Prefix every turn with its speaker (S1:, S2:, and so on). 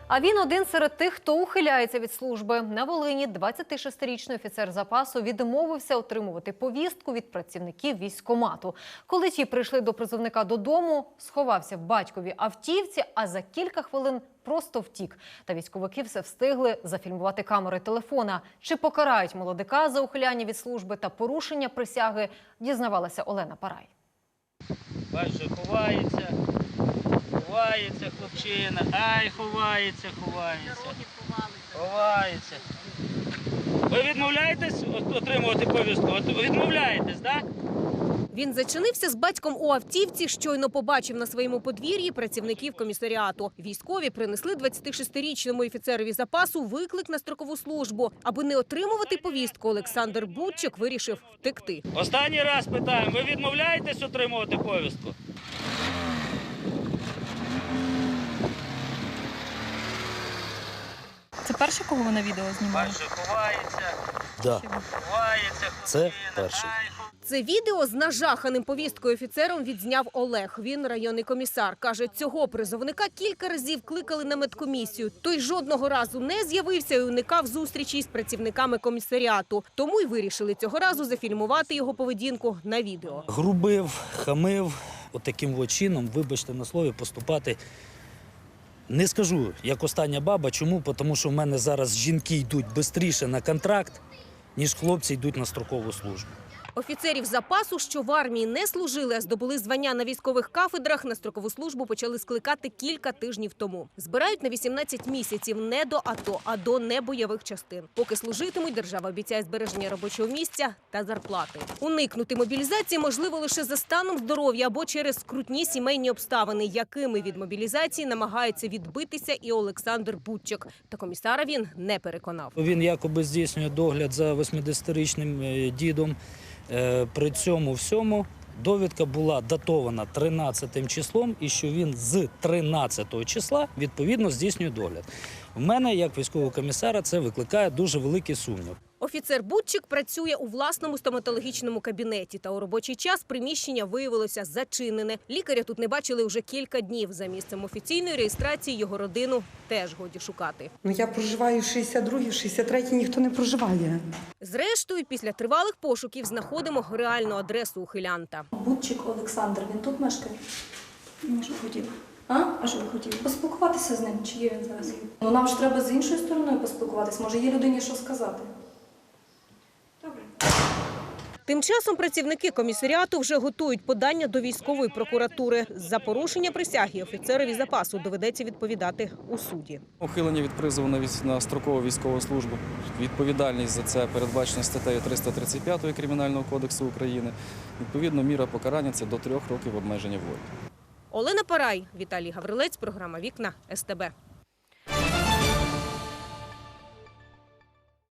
S1: А він один серед тих, хто ухиляється від служби. На Волині 26-річний офіцер запасу відмовився отримувати повістку від працівників військкомату. Коли ті прийшли до призовника додому, сховався в батьковій автівці, а за кілька хвилин просто втік. Та військовики все встигли зафільмувати камери телефона. Чи покарають молодика за ухиляння від служби та порушення присяги, дізнавалася Олена Парай.
S2: Бачу, ховається хлопчина, ай, ховається. Ви відмовляєтесь отримувати повістку? Відмовляєтесь, так?
S3: Він зачинився з батьком у автівці, щойно побачив на своєму подвір'ї працівників комісаріату. Військові принесли 26-річному офіцерові запасу виклик на строкову службу. Аби не отримувати повістку, Олександр Будчик вирішив втекти.
S2: Останній раз питаємо, ви відмовляєтесь отримувати повістку?
S4: Це перше, кого ви на відео знімали?
S2: Бачу, ховається
S5: Це
S2: хлопчина,
S5: перший.
S2: ай,
S3: Це відео з нажаханим повісткою офіцером відзняв Олег. Він районний комісар. Каже, цього призовника кілька разів кликали на медкомісію. Той жодного разу не з'явився і уникав зустрічі з працівниками комісаріату. Тому й вирішили цього разу зафільмувати його поведінку на відео.
S5: Грубив, хамив, отаким чином, вибачте на слові, поступати. Не скажу, як остання баба. Чому? Тому що в мене зараз жінки йдуть швидше на контракт, ніж хлопці йдуть на строкову службу.
S3: Офіцерів запасу, що в армії не служили, а здобули звання на військових кафедрах, на строкову службу почали скликати кілька тижнів тому. Збирають на 18 місяців не до АТО, а до небойових частин. Поки служитимуть, держава обіцяє збереження робочого місця та зарплати. Уникнути мобілізації можливо лише за станом здоров'я або через скрутні сімейні обставини, якими від мобілізації намагається відбитися і Олександр Будчик. Та комісара він не переконав.
S5: Він якоби здійснює догляд за 80-річним дідом. При цьому всьому довідка була датована 13 числом і що він з 13 числа відповідно здійснює догляд. В мене, як військового комісара, це викликає дуже великий сумнів.
S3: Офіцер Будчик працює у власному стоматологічному кабінеті. Та у робочий час приміщення виявилося зачинене. Лікаря тут не бачили вже кілька днів. За місцем офіційної реєстрації його родину теж годі шукати.
S6: Я проживаю в 62-й, в 63-й ніхто не проживає.
S3: Зрештою, після тривалих пошуків знаходимо реальну адресу ухилянта.
S4: Будчик Олександр, він тут мешкає? Ну, що хотів? А що ви хотіли? Поспілкуватися з ним, чи є він зараз? Ну, нам ж треба з іншою стороною поспілкуватися. Може, є людині що сказати? Добре.
S3: Тим часом працівники комісаріату вже готують подання до військової прокуратури. За порушення присяги офіцерові запасу доведеться відповідати у суді.
S7: Ухилення від призову на строкову військову службу. Відповідальність за це передбачена статтею 335 Кримінального кодексу України. Відповідно, міра покарання – це до 3 років обмеження волі.
S3: Олена Парай, Віталій Гаврилець, програма «Вікна СТБ».